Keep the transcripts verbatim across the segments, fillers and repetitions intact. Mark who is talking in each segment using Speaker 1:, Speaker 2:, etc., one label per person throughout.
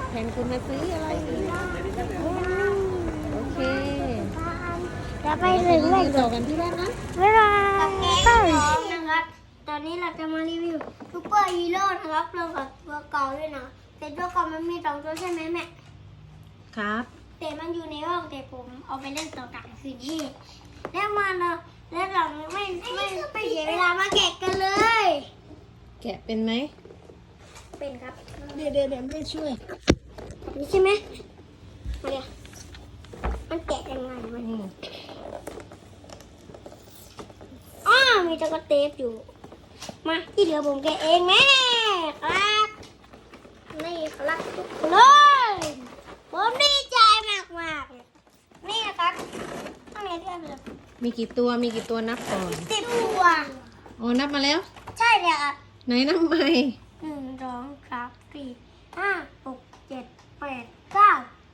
Speaker 1: แทนคุณมาซื้ออะไรโอเค
Speaker 2: จะไป
Speaker 1: ไป
Speaker 2: ถึง
Speaker 1: รี
Speaker 2: ไหน
Speaker 1: วิวต่อกันที่บ้านนะ
Speaker 2: บ๊ายบายนะครับ ตอนนี้เราจะมารีวิวซูเปอร์ฮีโร่นะครับรวมกับตัวเก่าด้วยนะแต่ตัวเก่ามันมีสองตัวใช่ไหมแม่
Speaker 1: ครับ
Speaker 2: แต่มันอยู่ในห้องแต่ผมเอาไปเล่นต่อกลางคืนที่แล้วมาเราแล้วเราไม่ไม่ไม่เสียเวลามาแกะกันเลย
Speaker 1: แกะเป็นไหม
Speaker 2: เป็นครับ
Speaker 1: เดี๋ยวเดี๋ยวเดี๋ยวไม่ช่วย
Speaker 2: นี่ใช่ไหมมาเดี๋ยวมันแกะยังไงมัน
Speaker 1: อืม
Speaker 2: อ้ามีตะกเทปอยู่มาที่เหลือผมแกะเองแม่ครับนี่ครับทุกคนเลยผมดีใจมากมากๆเลยนี่นะครับข้างในเรียบเลย
Speaker 1: มีกี่ตัวมีกี่ตัวนับก่อน
Speaker 2: สิบตัว
Speaker 1: อ๋อนับมาแล้ว
Speaker 2: ใช่เลยครับ
Speaker 1: ไหนนับใหม่
Speaker 2: หนึ่งสองสามสี่ห้าหกเจ็ดแปดเก้า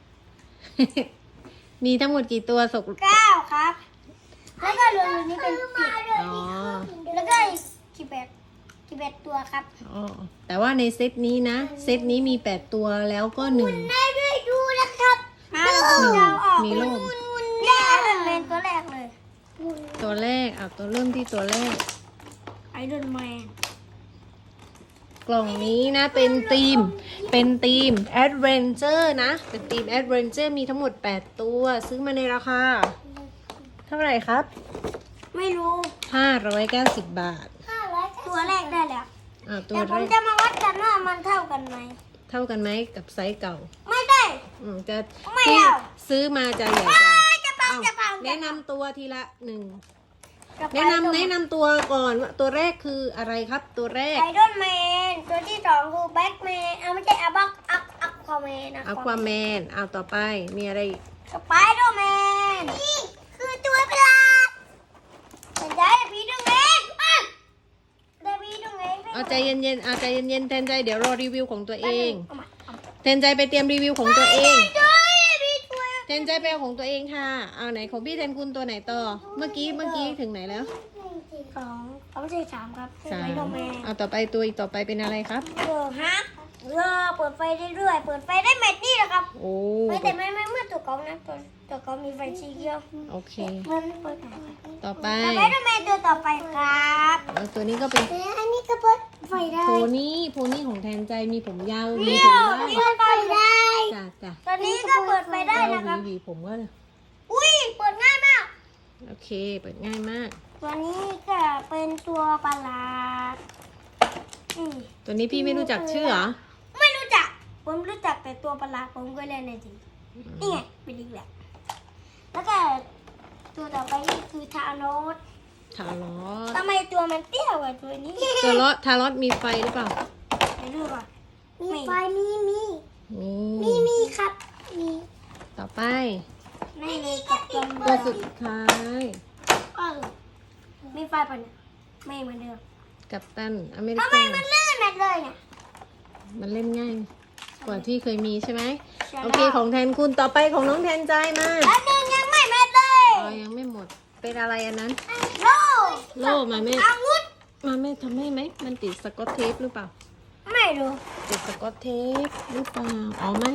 Speaker 1: มีทั้งหมดกี่ตัวสก
Speaker 2: เก้าครับ แล้วก็รวมนี้เป็นสิบ
Speaker 1: อ๋อ
Speaker 2: แล้วก็อีกกี่แปดกี่แปดตัวครับ
Speaker 1: อ๋อแต่ว่าในเซตนี้นะเซตนี้มีแปดตัวแล้วก็หนึ่ง
Speaker 2: ได้ด้วยดูนะครับมา
Speaker 1: หนึ่ง
Speaker 2: เราออก
Speaker 1: มีโล่ม
Speaker 2: แรกไอรอนแมนตัวแรกเลย
Speaker 1: ตัวแรกเอาตัวเริ่มที่ตัวแรก
Speaker 2: ไอรอนแมน
Speaker 1: กล่องนี้นะเป็นธีม เป็นธีม Adventure นะ เป็นธีม Adventure มีทั้งหมดแปดตัวซื้อมาในราคา เท่าไหร่ครับ
Speaker 2: ไม่รู้
Speaker 1: ห้าร้อยเก้าสิบบาท
Speaker 2: ตัวแรกได้แล้ว
Speaker 1: อ่าตั
Speaker 2: แต่
Speaker 1: ว
Speaker 2: ผ
Speaker 1: แร
Speaker 2: ม
Speaker 1: ก
Speaker 2: จะมาวัดกันว่ามันเท่ากันไหม
Speaker 1: เท่ากันไหมกับไซส์เก่า
Speaker 2: ไม่ได้
Speaker 1: อืมจะ
Speaker 2: ไม่
Speaker 1: ที่
Speaker 2: เอา
Speaker 1: ซื้อมาจะใหญ่กว่า
Speaker 2: จะปัง
Speaker 1: เอ้า
Speaker 2: จะปัง
Speaker 1: แนะนำตัวทีละหนึ่ง
Speaker 2: จะไป
Speaker 1: แนะนำแนะนำตัวก่อนว่าตัวแรกคืออะไรครับ ตัวแรก
Speaker 2: ไอรอนแมนตัวที่สองคือแบ็กแมนเอาไม่ใช่อะบักอักอักควาแมนนะ
Speaker 1: อควาแมนเอาต่อไปมีอะไรอีก
Speaker 2: สไปเดอร์แมนนี่คือตัวประหลาดแต่ได้พีดึงเองอ่ะได้พีดึงเอง
Speaker 1: เอาใจเย็นๆเอาใจเย็นๆแทนใจเดี๋ยวรอรีวิวของตัวเอง
Speaker 2: เอาใหม่เอาใหม่
Speaker 1: แทนใจไปเตรียมรีวิวของตัวเอง
Speaker 2: ได้พีตัว
Speaker 1: แทนใจไปเอาของตัวเองค่ะ เอาไหนของพี่แทนคุณตัวไหนต่อ เมื่อกี้เมื่อกี้ถึงไหนแล้ว
Speaker 2: สองเอาไม่ใช่สามครับ
Speaker 1: สา
Speaker 2: ไอ
Speaker 1: ม
Speaker 2: รอนแมน
Speaker 1: เอาต่อไปตัวอีกต่อไปเป็นอะไรครับ
Speaker 2: เออฮะเออเปิดไฟได้เรื่อยเปิดไฟได้แมทนี่แหละครับ
Speaker 1: โอ้
Speaker 2: ไม่แต่ไม่ไม่เมื่อตัวเก่านะตัวตัวเก่ามีไฟสีเขียว
Speaker 1: โอเค
Speaker 2: มันเปิดไฟ
Speaker 1: ต่อไป
Speaker 2: สไปเดอร์แมนตัวต่อไปครับ
Speaker 1: เอาตัวนี้ก็เป็น
Speaker 2: อันนี้ก็เปิดไฟได้
Speaker 1: โพนี่โพนี่ของแทนใจมีผมยาวมี
Speaker 2: เดี่
Speaker 1: ผ
Speaker 2: ย
Speaker 1: ม
Speaker 2: ว
Speaker 1: ได้
Speaker 2: เปิดไฟได้
Speaker 1: จ้ะจ้ะ
Speaker 2: ตอนนี้ก็เปิดไฟได้
Speaker 1: เอา
Speaker 2: นะครับ
Speaker 1: หวีๆผมก็
Speaker 2: อุ้ยเปิดง่ายมาก
Speaker 1: โอเค เปิดง่ายมาก
Speaker 2: ตัวนี้ก็เป็นตัวประหลาดอืม
Speaker 1: ตัวนี้พี่ไม่รู้จักชื่อเหรอ
Speaker 2: ไม่รู้จัก ผมรู้จักแต่ตัวประหลาดผมก็เล่นในทีนี่ไงเป็นอีกแบบแล้วก็ตัวต่อไปนี่คือทานอส
Speaker 1: ทารอส
Speaker 2: ทำไมตัวมันเตี้ยกว่าตัวนี้
Speaker 1: ตัวรอสทารอสมีไฟหรือเปล่า
Speaker 2: ไปดูก่อนมีไฟมีมี
Speaker 1: มี
Speaker 2: มีมีครับมี
Speaker 1: ต่อไป
Speaker 2: ไม่เลยกับตัว
Speaker 1: ตัวสุดท้าย
Speaker 2: เออมีไฟปะเนี่ยไม่เหมือนเดิม
Speaker 1: กัปตันอเมริ
Speaker 2: ทำไม
Speaker 1: กา
Speaker 2: มันลื่นแบบเลยเนี่ย
Speaker 1: มันเล่นง่าย กว่าที่เคยมีใช่ไหม
Speaker 2: ใช่
Speaker 1: โอเคของแทนคุณต่อไปของน้องแทนใจมา
Speaker 2: แล้วนึงยังไม่แม่เลย
Speaker 1: อ๋อยังไม่หมด เป็นอะไรอันนั้น
Speaker 2: โล่
Speaker 1: โล่มาแม่
Speaker 2: อาวุธ
Speaker 1: มาแม่ทำให้ไหม มันติดสกอตเทปหรือเปล่า
Speaker 2: ไม่รู้
Speaker 1: ติดสกอตเทปหรือเปล่า อ๋อไม่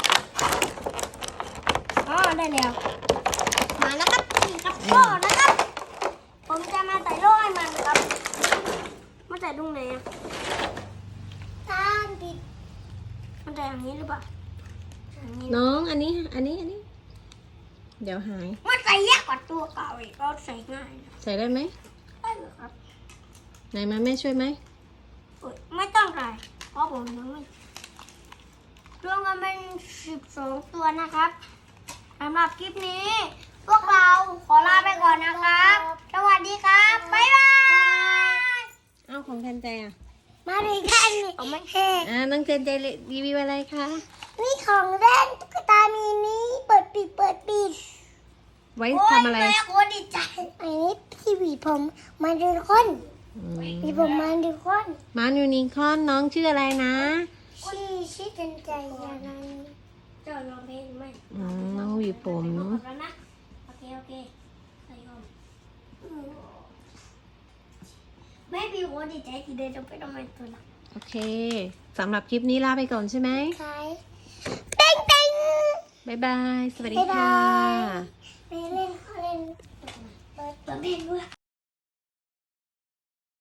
Speaker 2: อ๋อได้แล้ว มาแล้วครับนี่ครับโล่นะครับ ผมจะมาใส่โล่ให้มันครับมาใส่ตรงไหนอ่ะตามติดมันใส่อย่างนี้หรือเปล่าอย่างนี้นะ
Speaker 1: น้องอันนี้ อันนี้ อันนี้ เดี๋ยวหาย
Speaker 2: มันใส่ยากกว่าตัวเก่าอีกก็ใส่ง่ายนะ
Speaker 1: ใส่ได้ไหม
Speaker 2: ได้เหรอครับ
Speaker 1: ไหนมาแม่ช่วยไหม
Speaker 2: เอ้ยไม่ต้องใส่เพราะผมยังไม่รวมกันเป็นสิบสองตัวนะครับสำหรับคลิปนี้ พวกเราขอลาไปก่อนนะครับ สวัสดีครับ บ๊ายบาย
Speaker 1: อ้าวของแทนใจอ่ะ
Speaker 2: มาเลยกันเอาไม่แห้
Speaker 1: อ่าน้องแทนใจรีวิวอะไรคะ
Speaker 2: นี่ของเล่นตุ๊กตามีนี้เปิดปิดเปิดปิด
Speaker 1: ไว้ทำอะไร
Speaker 2: โอ้ยแม่โคตรดีใจอันนี้ที่หวีผมมันดูคน
Speaker 1: อืม
Speaker 2: หวีผมมันดูคน
Speaker 1: มายูนิคอร์นน้องชื่ออะไรนะ
Speaker 2: ชื่อชื่อกันใจอย่างนั้นเจ้าลองเพลงไหม
Speaker 1: อืมน้องหวีผม
Speaker 2: แล้วนะโอเคโอเคใส่ก่อนแม่พี่โคตรดีใจที่ได้จะไปทำไมตัวละ
Speaker 1: โอเคสำหรับคลิปนี้ลาไปก่อนใช่ไหม
Speaker 2: ใช่
Speaker 1: บ๊ายบาย สวัสดี
Speaker 2: บ๊ายบา
Speaker 1: ค่ะ
Speaker 2: ยไปเล่นเล่นเปิดเปิดเพลงด้วย